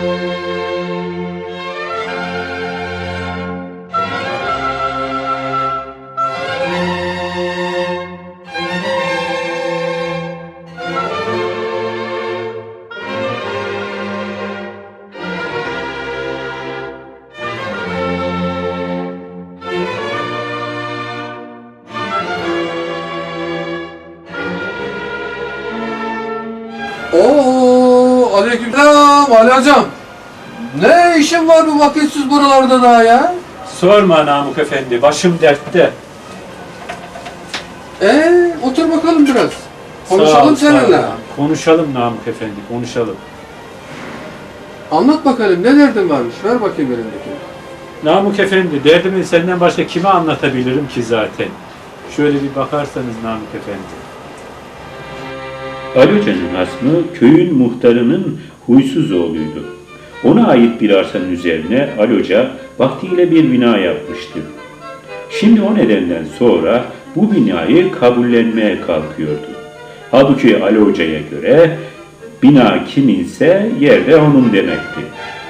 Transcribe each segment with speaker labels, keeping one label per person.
Speaker 1: Aleykümselam Ali hocam. Ne işin var bu vakitsiz buralarda daha ya?
Speaker 2: Sorma Namık Efendi, başım dertte.
Speaker 1: Otur bakalım biraz.
Speaker 2: Sağ ol,
Speaker 1: Konuşalım
Speaker 2: sağ ol.
Speaker 1: seninle.
Speaker 2: Konuşalım Namık Efendi, konuşalım.
Speaker 1: Anlat bakalım ne derdin varmış? Ver bakayım elindekini.
Speaker 2: Namık Efendi, derdimi senden başka kime anlatabilirim ki zaten? Şöyle bir bakarsanız Namık Efendi.
Speaker 3: Ali Hoca'nın hasmı köyün muhtarının huysuz oğluydu. Ona ait bir arsanın üzerine Ali Hoca vaktiyle bir bina yapmıştı. Şimdi o nedenden sonra bu binayı kabullenmeye kalkıyordu. Halbuki Ali Hoca'ya göre bina kiminse yer de onun demekti.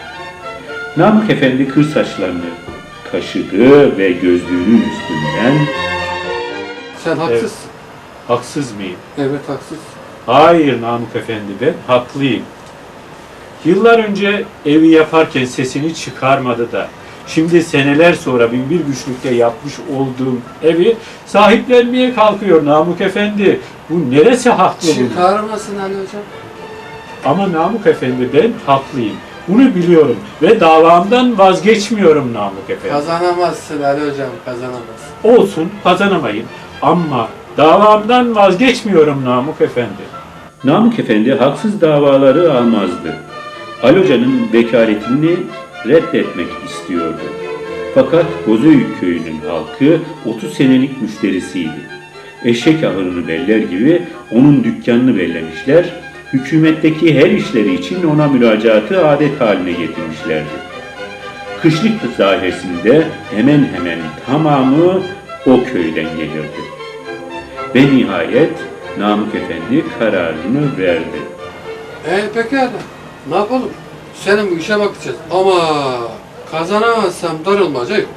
Speaker 3: Namık Efendi kır saçlarını kaşıdı ve gözlüğünün üstünden
Speaker 1: Sen haksızsın.
Speaker 2: Haksız mıyım?
Speaker 1: Evet haksızsın.
Speaker 2: Hayır Namık Efendi, ben haklıyım. Yıllar önce evi yaparken sesini çıkarmadı da, şimdi seneler sonra binbir güçlükle yapmış olduğum evi sahiplenmeye kalkıyor Namık Efendi. Bu neresi haklı bunun?
Speaker 1: Çıkarmasın Ali hocam.
Speaker 2: Ama Namık Efendi, ben haklıyım. Bunu biliyorum ve davamdan vazgeçmiyorum Namık Efendi.
Speaker 1: Kazanamazsın Ali hocam, kazanamazsın.
Speaker 2: Olsun, kazanamayın ama davamdan vazgeçmiyorum Namık Efendi.
Speaker 3: Namık Efendi haksız davaları almazdı. Ali Hoca'nın vekaletini reddetmek istiyordu. Fakat Bozüyük köyünün halkı 30 senelik müşterisiydi. Eşek ahırını beller gibi onun dükkanını bellemişler, hükümetteki her işleri için ona müracaatı adet haline getirmişlerdi. Kışlık dairesinde hemen hemen tamamı o köyden gelirdi. Ve nihayet Namık Efendi kararını verdi.
Speaker 1: Pekala. Ne yapalım? Senin bu işe bakacağız. Ama kazanamazsam darılmaca yok.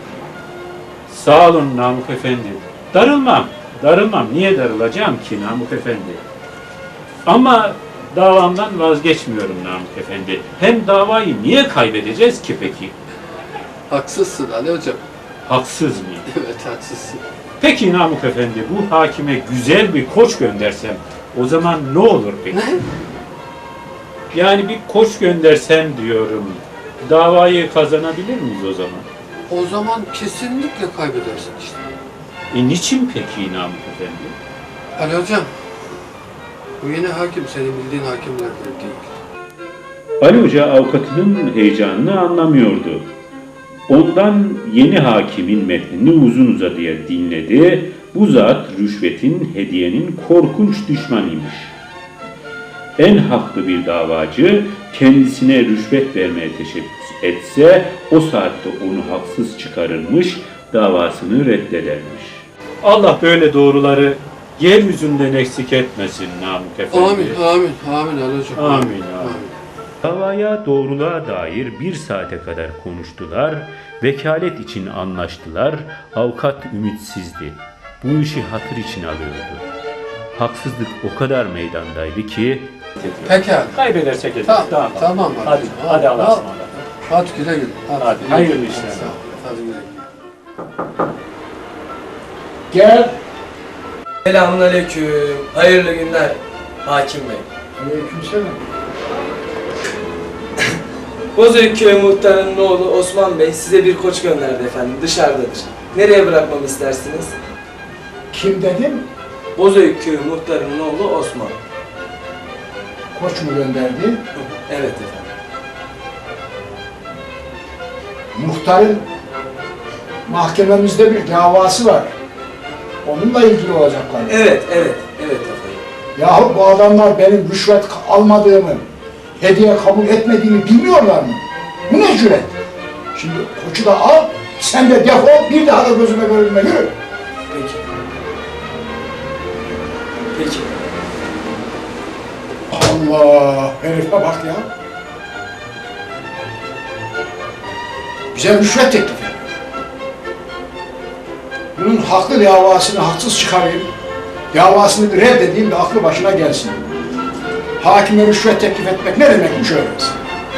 Speaker 2: Sağ olun Namık Efendi. Darılmam. Niye darılacağım ki Namık Efendi? Ama davamdan vazgeçmiyorum Namık Efendi. Hem davayı niye kaybedeceğiz ki peki?
Speaker 1: Haksızsın Ali hocam.
Speaker 2: Haksız mıyım?
Speaker 1: Evet haksızsın.
Speaker 2: Peki Namık Efendi, bu hakime güzel bir koç göndersem o zaman ne olur peki?
Speaker 1: Ne?
Speaker 2: Yani bir koç göndersem diyorum. Davayı kazanabilir miyiz o zaman?
Speaker 1: O zaman kesinlikle kaybedersin işte.
Speaker 2: Niçin peki Namık Efendi?
Speaker 1: Ali hocam, bu yeni hakim senin bildiğin hakimlerden değil.
Speaker 3: Ali Hoca avukatının heyecanını anlamıyordu. Ondan yeni hakimin metnini uzun uzadıya dinledi. Bu zat rüşvetin, hediyenin korkunç düşmanıymış. En haklı bir davacı kendisine rüşvet vermeye teşebbüs etse o saatte onu haksız çıkarırmış, davasını reddedermiş.
Speaker 2: Allah böyle doğruları yeryüzünden eksik etmesin Namık Efendi.
Speaker 1: Amin Ali hocam.
Speaker 2: Amin.
Speaker 3: Davaya doğruluğa dair 1 saate kadar konuştular, vekalet için anlaştılar, avukat ümitsizdi. Bu işi hatır için alıyordu. Haksızlık o kadar meydandaydı ki...
Speaker 1: Pekala.
Speaker 2: Kaybedersek ederiz.
Speaker 1: Tamam.
Speaker 2: Hadi Allah'a ısmarladık.
Speaker 1: Hadi güle güle.
Speaker 2: Hadi, hayırlı işler.
Speaker 1: Sağ ol. Hadi güle güle.
Speaker 4: Gel.
Speaker 5: Selamünaleyküm. Hayırlı günler Hakim Bey.
Speaker 4: Aleykümselam.
Speaker 5: Bozüyük Köyü Muhtarı'nın oğlu Osman Bey size bir koç gönderdi efendim. Dışarıdadır. Nereye bırakmamı istersiniz?
Speaker 4: Kim dedim?
Speaker 5: Bozüyük Köyü Muhtarı'nın oğlu Osman.
Speaker 4: Koç mu gönderdi?
Speaker 5: Evet efendim.
Speaker 4: Muhtarın mahkememizde bir davası var. Onunla ilgili olacaklar.
Speaker 5: Evet efendim.
Speaker 4: Yahu bu adamlar benim rüşvet almadığımı, hediye kabul etmediğimi bilmiyorlar mı? Bu ne cüret? Şimdi koçu da al, sen de defol, bir daha da gözüme görünme, yürü.
Speaker 5: Peki.
Speaker 4: Allah, herife bak ya. Bize rüşvet teklif ediyor. Bunun haklı davasını haksız çıkarayım, davasını bir reddedeyim de aklı başına gelsin. Hakime rüşvet teklif etmek ne demekmiş öğrensin.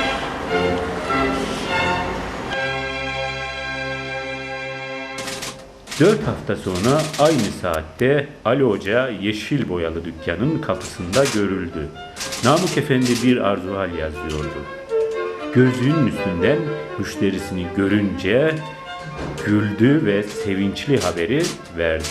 Speaker 3: Dört hafta sonra aynı saatte Ali Hoca yeşil boyalı dükkanın kapısında görüldü. Namık Efendi bir arzuhal yazıyordu. Gözlüğünün üstünden müşterisini görünce güldü ve sevinçli haberi verdi.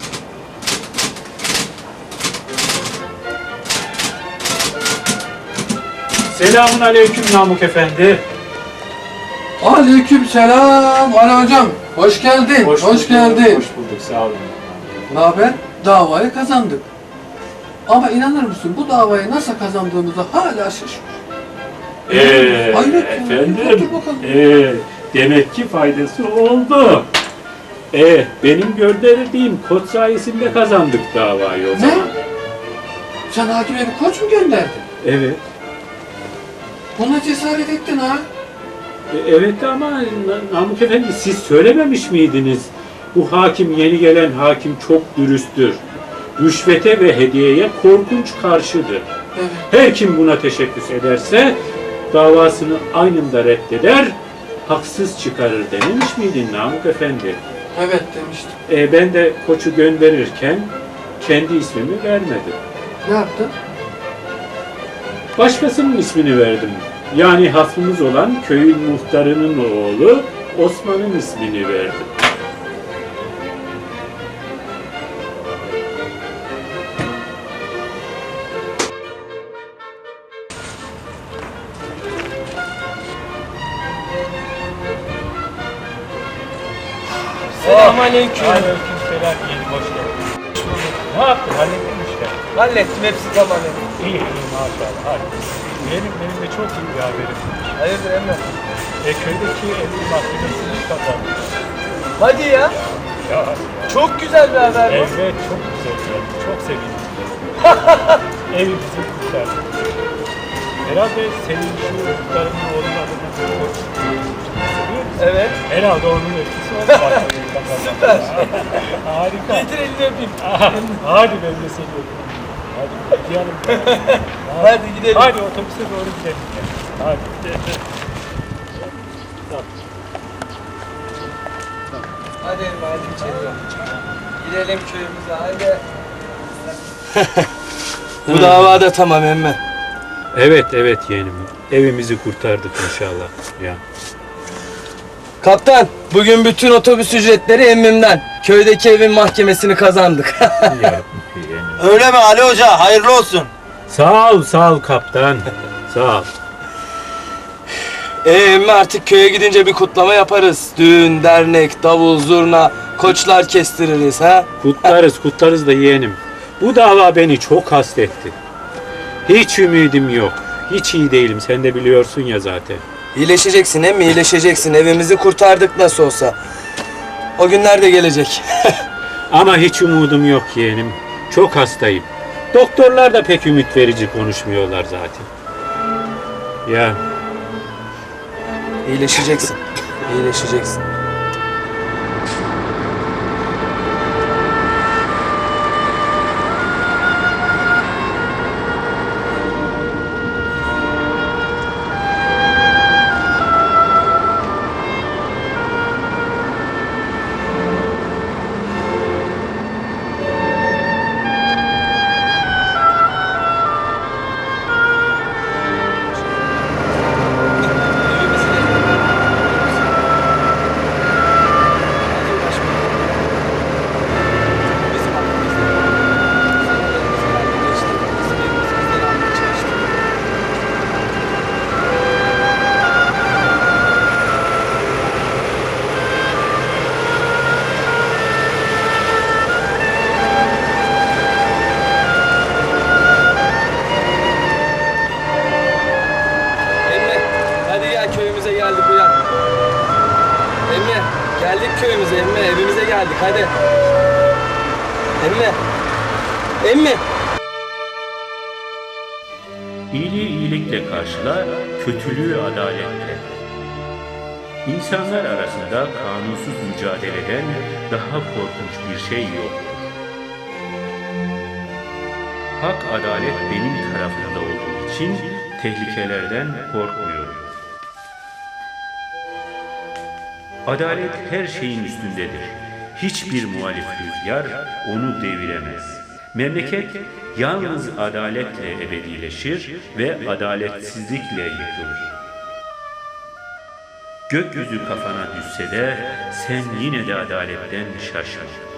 Speaker 2: Selamun aleyküm Namık Efendi.
Speaker 1: Aleyküm selam Ali hocam. Hoş geldin. Hoş geldin.
Speaker 2: Hoş bulduk, sağ olun.
Speaker 1: Ne haber? Davayı kazandık. Ama inanır mısın bu davayı nasıl kazandığımıza hala şaşırıyorum. Hayret ya.
Speaker 2: Efendim,
Speaker 1: Otur bakalım.
Speaker 2: demek ki faydası oldu. Benim gönderdiğim kod sayesinde kazandık davayı o
Speaker 1: Ne?
Speaker 2: zaman.
Speaker 1: Sen hakime bir koç mu gönderdin?
Speaker 2: Evet.
Speaker 1: Buna cesaret ettin ha?
Speaker 2: Evet ama Namık Efendi siz söylememiş miydiniz? Bu hakim, yeni gelen hakim çok dürüsttür. Rüşvete ve hediyeye korkunç karşıdır.
Speaker 1: Evet.
Speaker 2: Her kim buna teşebbüs ederse davasını anında reddeder, haksız çıkarır dememiş miydin Namık Efendi?
Speaker 1: Evet demiştim.
Speaker 2: Ben de koçu gönderirken kendi ismimi vermedim.
Speaker 1: Ne yaptın?
Speaker 2: Başkasının ismini verdim. Yani hasmımız olan köyün muhtarının oğlu Osman'ın ismini verdim.
Speaker 5: Selamünaleyküm.
Speaker 2: Aleykümselam, yeni hoş geldin. Ne yaptın? Hallettin mi işte?
Speaker 5: Hallettim, hepsi tamam.
Speaker 2: İyi, iyi maşallah. Hadi. Benim de çok iyi bir haberim var.
Speaker 5: Hayırdır emmi?
Speaker 2: Köydeki evin mahkemesini kazandık.
Speaker 5: Hadi ya.
Speaker 2: Ya,
Speaker 5: Çok güzel bir haber bu.
Speaker 2: evet çok güzel geldi. Çok sevindim. Evimizi kurtardık. Herhalde senin şu muhtarının oğlunun adına çok seviyor musun?
Speaker 5: Evet.
Speaker 2: Herhalde onun etkisi oldu.
Speaker 5: Süper.
Speaker 2: Harika.
Speaker 5: Getir elini öpeyim.
Speaker 2: Hadi ben de seni öpeyim. Hadi gidelim.
Speaker 5: Hadi gidelim.
Speaker 2: Hadi otobüse doğru gidelim. Hadi.
Speaker 5: Hadi emmi, hadi içeri. Gidelim köyümüze, hadi. Bu dava da tamam emmi.
Speaker 2: Evet yeğenim. Evimizi kurtardık inşallah. Ya.
Speaker 5: Kaptan, bugün bütün otobüs ücretleri emmimden. Köydeki evin mahkemesini kazandık.
Speaker 2: Ya yeğenim.
Speaker 6: Öyle mi Ali Hoca? Hayırlı olsun.
Speaker 2: Sağ ol kaptan. Sağ ol.
Speaker 5: Emmi artık köye gidince bir kutlama yaparız. Düğün, dernek, davul, zurna, koçlar kestiririz ha.
Speaker 2: Kutlarız da yeğenim. Bu dava beni çok hastetti. Hiç ümidim yok. Hiç iyi değilim. Sen de biliyorsun ya zaten.
Speaker 5: İyileşeceksin emmi, iyileşeceksin. Evimizi kurtardık nasıl olsa. O günler de gelecek.
Speaker 2: Ama hiç umudum yok yeğenim. Çok hastayım. Doktorlar da pek ümit verici konuşmuyorlar zaten. Ya
Speaker 5: İyileşeceksin. İyileşeceksin. köyümüze emmi, evimize geldik hadi. Emmi. Emmi.
Speaker 3: İyiliği iyilikle karşıla, kötülüğü adaletle. İnsanlar arasında kanunsuz mücadeleden daha korkunç bir şey yoktur. Hak, adalet benim tarafımda olduğu için tehlikelerden korkmuyorum. Adalet her şeyin üstündedir. Hiçbir muhalif rüzgar onu deviremez. Memleket yalnız adaletle ebedileşir ve adaletsizlikle yıkılır. Gökyüzü kafana düşse de sen yine de adaletten şaşma.